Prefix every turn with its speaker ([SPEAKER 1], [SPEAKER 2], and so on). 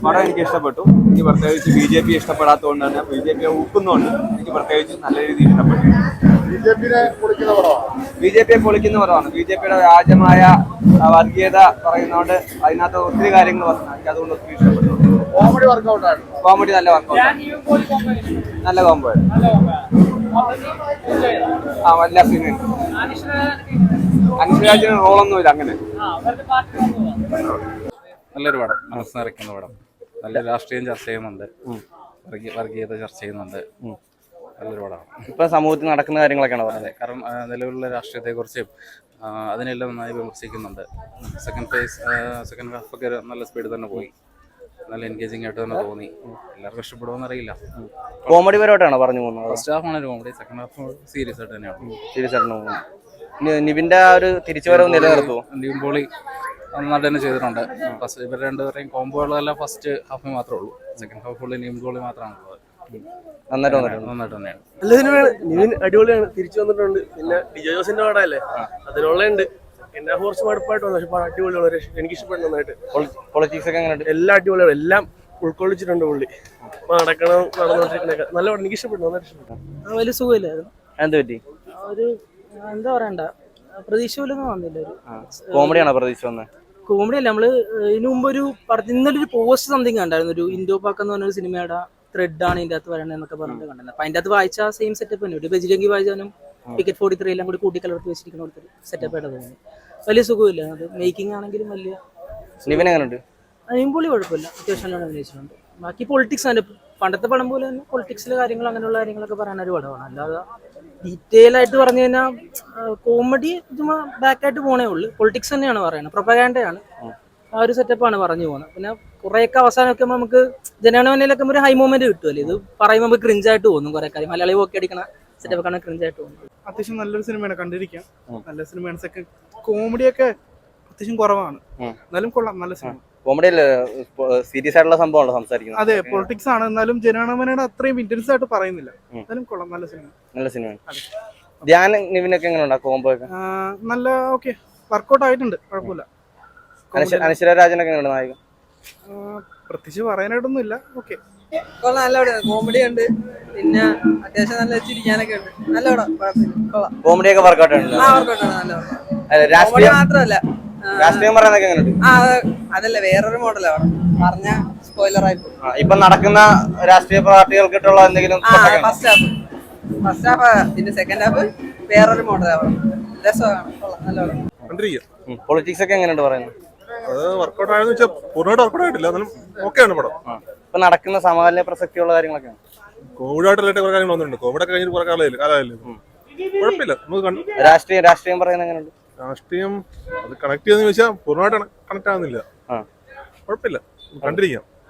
[SPEAKER 1] പടം എനിക്ക് ഇഷ്ടപ്പെട്ടു. എനിക്ക് പ്രത്യേകിച്ച് BJP ഇഷ്ടപ്പെടാത്തതുകൊണ്ട് തന്നെ BJP ഊക്കുന്നുണ്ട് എനിക്ക് പ്രത്യേകിച്ച് നല്ല രീതിയിൽ ഇഷ്ടപ്പെട്ടു. BJP പൊളിക്കുന്ന പടമാണ്. BJPയുടെ വ്യാജമായ വർഗീയത പറയുന്നതുകൊണ്ട് അതിനകത്ത് ഒത്തിരി കാര്യങ്ങൾ പറഞ്ഞു. എനിക്ക് അതുകൊണ്ട് ഒത്തിരി ഇഷ്ടപ്പെട്ടു. കോമഡി നല്ല വർക്കൗട്ട്, നല്ല കോംബോ. ആ എല്ലാ സീനും അനുഷ്രാജിന് റോളൊന്നുമില്ല അങ്ങനെ.
[SPEAKER 2] നല്ലൊരു പടം, മനസ്സ് നിറയ്ക്കുന്ന പടം. നല്ല രാഷ്ട്രീയം ചർച്ച ചെയ്യുന്നുണ്ട്, വർഗീയത ചർച്ച ചെയ്യുന്നുണ്ട്. നല്ലൊരു പടമാണ്.
[SPEAKER 3] ഇപ്പൊ സമൂഹത്തിൽ നടക്കുന്ന കാര്യങ്ങളൊക്കെയാണ് പറഞ്ഞത്.
[SPEAKER 2] കാരണം നിലവിലുള്ള രാഷ്ട്രീയത്തെക്കുറിച്ചും അതിനെല്ലാം നന്നായി വിമർശിക്കുന്നുണ്ട്. സെക്കൻഡ് ഹാഫൊക്കെ നല്ല സ്പീഡിൽ തന്നെ പോയി. നല്ല എൻഗേജിങ് ആയിട്ട് തന്നെ തോന്നി. എല്ലാവർക്കും ഇഷ്ടപ്പെടുമെന്ന് അറിയില്ല.
[SPEAKER 3] കോമഡി പരമായിട്ടാണോ പറഞ്ഞു പോകുന്നത്?
[SPEAKER 2] ഫസ്റ്റ് ഹാഫാണ് ഒരു കോമഡി, സെക്കൻഡ് ഹാഫ് സീരിയസ് ആയിട്ട് തന്നെയാണ്.
[SPEAKER 3] സീരിയസ് ആയിട്ട് പോകുന്നത്. നിവിന്റെ ആ ഒരു തിരിച്ചുവരവ് നിലനിർത്തുമോ?
[SPEAKER 2] നിവിൻ പോളി നന്നായിട്ട് തന്നെ ചെയ്തിട്ടുണ്ട്. ഫസ്റ്റ് ഇവർ രണ്ടുപേരെയും കോംബോകളെല്ലാം ഫസ്റ്റ് ഹാഫിൽ മാത്രമേ ഉള്ളൂ. Second half fully Nivin Pauly മാത്രമാണുള്ളത്. നന്നായിട്ട് തന്നെയാണ്.
[SPEAKER 4] നല്ല സിനിമയാണ്. നിവിൻ അടിപൊളിയാണ്, തിരിച്ചു വന്നിട്ടുണ്ട്. പിന്നെ ഡിജോ ജോസിന്റെ പടമല്ലേ, അതിനുള്ളുണ്ട്. എന്നെ കുറച്ച് മടുപ്പായിട്ട് വന്നു, പക്ഷെ അടിപൊളിയാണ്. എനിക്ക് ഇഷ്ടപ്പെട്ടു നന്നായിട്ട്.
[SPEAKER 3] പൊളിറ്റിക്സ് ഒക്കെ എങ്ങനെ?
[SPEAKER 4] എല്ലാം അടിപൊളിയാണ്, എല്ലാം ഉൾക്കൊള്ളിച്ചിട്ടുണ്ട് പുള്ളി. നടക്കണം, നടന്നോണ്ടിരിക്കണൊക്കെ നല്ല പടം. എനിക്ക് ഇഷ്ടപ്പെട്ടു, നന്നായിട്ട് ഇഷ്ടപ്പെട്ടു.
[SPEAKER 5] വലിയ സുഖമില്ലായിരുന്നു.
[SPEAKER 3] എന്ത് പറ്റി?
[SPEAKER 5] ഒരു എന്താ പറയണ്ട, പ്രതീക്ഷ പോലൊന്നും വന്നില്ല. ഒരു
[SPEAKER 3] കോമഡിയാണോ പ്രതീക്ഷ വന്നത്?
[SPEAKER 5] കോമഡി അല്ല. നമ്മള് ഇതിനു മുമ്പ് ഒരു ഇന്നലെ ഒരു പോസ്റ്റ് സംതിങ് കണ്ടായിരുന്നു. ഒരു ഇൻഡോ പാക്ക് എന്ന് പറഞ്ഞൊരു സിനിമയുടെ ത്രെഡ് ആണ് ഇതിന്റെ അകത്ത് വരണത് എന്നൊക്കെ പറഞ്ഞിട്ട് കണ്ടത്. അപ്പൊ അതിന്റെ അകത്ത് വായിച്ച സെയിം സെറ്റപ്പ് തന്നെ. ഒരു ബജിരംഗി വായിച്ചാലും ടിക്കറ്റ് 43 എല്ലാം കൂടി കൂട്ടിക്കലർത്തി വെച്ചിരിക്കുന്ന ഒരു സെറ്റപ്പ് ആയിട്ട് തോന്നി. വലിയ സുഖമില്ല. അത് മേക്കിംഗ് ആണെങ്കിലും വലിയ.
[SPEAKER 3] നിവിൻ എങ്ങനെയുണ്ട്?
[SPEAKER 5] നിവിൻപോളി കുഴപ്പമില്ല, അത്യാവശ്യം നല്ലോണം അഭിനയിച്ചിട്ടുണ്ട്. ബാക്കി പൊളിറ്റിക്സ് ആണ് പണ്ടത്തെ പടം പോലെ തന്നെ. പൊളിറ്റിക്സിലെ കാര്യങ്ങൾ അങ്ങനെയുള്ള കാര്യങ്ങളൊക്കെ പറയാൻ ഒരു പടമാണ്. അല്ലാതെ ഡീറ്റെയിൽ ആയിട്ട് പറഞ്ഞു കഴിഞ്ഞാൽ കോമഡി ചുമ്മാ ബാക്കായിട്ട് പോണേ ഉള്ളൂ. പൊളിറ്റിക്സ് തന്നെയാണ് പറയുന്നത്, പ്രൊപ്പഗാൻഡയാണ്. ആ ഒരു സെറ്റപ്പാണ് പറഞ്ഞു പോകുന്നത്. പിന്നെ കുറേയൊക്കെ അവസാനമൊക്കെ നമുക്ക് ജനഗണമനയിലൊക്കെ ഒരു ഹൈ മൊമെന്റ് കിട്ടുമല്ലോ. ഇത് പറയുമ്പോൾ നമുക്ക് ക്രിഞ്ചായിട്ട് തോന്നും. കുറെ കാര്യം മലയാളി ഒക്കെ അടിക്കണ സെറ്റപ്പൊക്കെ ക്രിഞ്ചായിട്ട് തോന്നും.
[SPEAKER 6] അത്യാവശ്യം നല്ലൊരു സിനിമയാണ്, കണ്ടിരിക്കാം. നല്ല സിനിമയാണ്. സെക്കൻഡ് കോമഡിയൊക്കെ അത്യാവശ്യം കുറവാണ്, എന്നാലും കൊള്ളാം. നല്ല സിനിമ.
[SPEAKER 3] കോമഡി അല്ലേ, സീരിയസ് ആയിട്ടുള്ള സംഭവമാണോ സംസാരിക്കുന്നത്?
[SPEAKER 6] അതെ, പൊളിറ്റിക്സ് ആണ്. എന്നാലും ജനഗണമനയുടെ അത്രയും ഇന്റൻസ് ആയിട്ട് പറയുന്നില്ല. എന്നാലും കൊള്ളാം, നല്ല സിനിമ.
[SPEAKER 3] നല്ല സിനിമ. ധ്യാൻ നിവിനൊക്കെ എങ്ങനെ കോംബോ ഒക്കെ?
[SPEAKER 6] നല്ല ഓക്കെ, വർക്കൗട്ട് ആയിട്ടുണ്ട്, കുഴപ്പമില്ല.
[SPEAKER 3] അനശ്വര രാജനൊക്കെ എങ്ങനെ നായകൻ?
[SPEAKER 6] പ്രത്യേകിച്ച് പറയാനായിട്ടൊന്നും ഇല്ല. ഓക്കെ,
[SPEAKER 7] കൊള്ളാം, നല്ല പടമാണ്. കോമഡി ഉണ്ട്, പിന്നെ അത്യാവശ്യം നല്ല ചിരിക്കാനൊക്കെ ഉണ്ട്. നല്ല പടം, കൊള്ളാം.
[SPEAKER 3] കോമഡിയൊക്കെ വർക്കൗട്ട് ആണ്.
[SPEAKER 7] വർക്കൗട്ട് ആണ്, നല്ല പടം. രാഷ്ട്രീയം മാത്രമല്ല,
[SPEAKER 3] രാഷ്ട്രീയം പറയുന്നതൊക്കെ എങ്ങനെയുണ്ട്?
[SPEAKER 7] അതല്ല, വേറൊരു മോഡലാണ് പറഞ്ഞ സ്പോയിലർ ആയിട്ട്.
[SPEAKER 3] ഇപ്പൊ നടക്കുന്ന രാഷ്ട്രീയ പാർട്ടികൾക്കിട്ടുള്ള എന്തെങ്കിലും?
[SPEAKER 7] ഫസ്റ്റ് ഹാഫ് പിന്നെ സെക്കൻഡ് ഹാഫ് വേറൊരു മോഡലാണ്. രസമാണ്, കൊള്ളാം, നല്ല പടം.
[SPEAKER 3] പൊളിറ്റിക്സ് ഒക്കെ എങ്ങനെയുണ്ട് പറയുന്നത്?
[SPEAKER 8] അത് വർക്കൗട്ട് ആയെന്ന് വെച്ചാൽ പൂർണ്ണമായിട്ട് വർക്കൗട്ട് ആയിട്ടില്ല, എന്നാലും ഓക്കെയാണ് പടം.
[SPEAKER 3] ഇപ്പൊ നടക്കുന്ന സമകാലീന പ്രസക്തിയുള്ള കാര്യങ്ങളൊക്കെയാണ്.
[SPEAKER 8] കോവിഡ് ആയിട്ടുള്ള കുറെ കാര്യങ്ങൾ വന്നിട്ടുണ്ട്. കോവിഡ് ഒക്കെ കഴിഞ്ഞിട്ട് കുറെ കാലമായില്ലേ, കുഴപ്പമില്ല. നമുക്ക്
[SPEAKER 3] രാഷ്ട്രീയം പറയുന്നത് എങ്ങനെയുണ്ട്?
[SPEAKER 8] രാഷ്ട്രീയം അത് കണക്ട് ചെയ്യുന്ന ചോദിച്ചാൽ പൂർണ്ണമായിട്ട് കണക്ട് ആവുന്നില്ല. കുഴപ്പമില്ല, കണ്ടിരിക്കാം.